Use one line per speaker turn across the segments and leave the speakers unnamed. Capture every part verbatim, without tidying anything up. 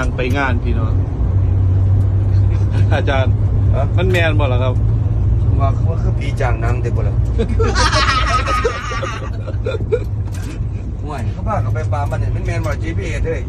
างไปงานพี่น้องอาจารย์มันแมนบ่ล่ะครับ
ว่าเขาคือผีจางนังเด็กบ่ล่ะห่วยเขาพาเขาไปปลามันเนี่ยมันแมนบ่ จี พี เอส เฮ้ย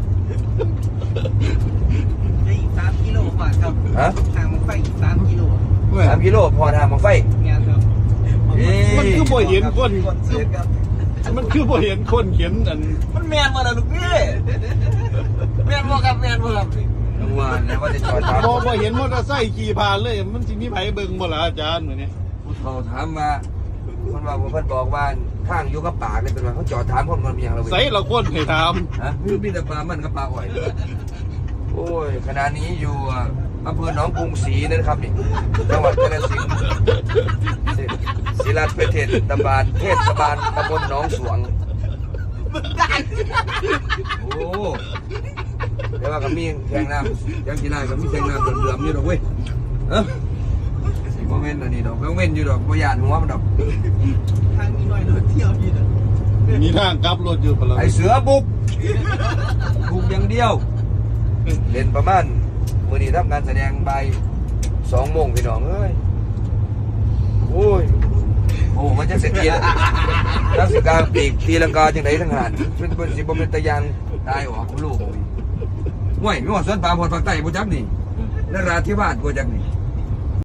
อีกสามกิโลกว่าครับฮะทางมันไฟอีกสามกิโล
สามกิโลพอทางมังไฟ
งานครับ
มันคือบ่เห็นคนมันคือบ่เห็นคนเขียนอัน
มันแมนมาแล้วลูกพี่แมนบ่ครับแมนบ่ครับ
ว่าแล้วว่าจะจอดถาม
บ่บ่เห็นมอเตอร์ไซค์ขี่ผ่านเลยมันสิมีไผเบิ่งบ่ล่ะอาจารย์มื้อนี้
ผู้เขาถามว่าคนว่าเพิ่นบอกว่าข้างอยู่กับปากนี่เป็นว่าเขาจอดถามคนมันมีหยังแล้ว
ใส่ละคนให้ถาม
ฮะคือมีแต่ปลามันกับปลาอ้อยโอ้ยขณะนี้อยู่อำเภอหนองกรุงศรีนะครับนี่จังหวัดกาฬสินธุ์ศิลาประเทศตำบลเทศบาลตำบลหนองสวงโอ้แต่ว่าก็มีแทงน้ำยังกีฬาก็มีแทงน้ำเดือมๆอยู่ดอกเว้ยเออสิบ่แม่นอันนี้ดอกก็เว้นอยู่ดอกบ่ย่านหัวมันดอก
ทางมีน้อยรถเที่ยวพี่น่ะ
มีทางกลับรถอยู่บ่ล่ะ
ไอ้เสือบุกบุกอย่างเดียวเล่นประมาณมื้อนี้ทำการแสดงบ่ายสองโมงพี่น้องเอ้ยโอ้ยโอ้มันจะเสร็จเกียร์นักศึกษาปีกตีลังกาจังไดทั้งหานเป็นเป็นสิบ่เป็นตะยางตายออกลูกห่วยมีว่าสวนป่าพอดภาคใต้บ่จักนี่นราธิวาสบ่จักนี่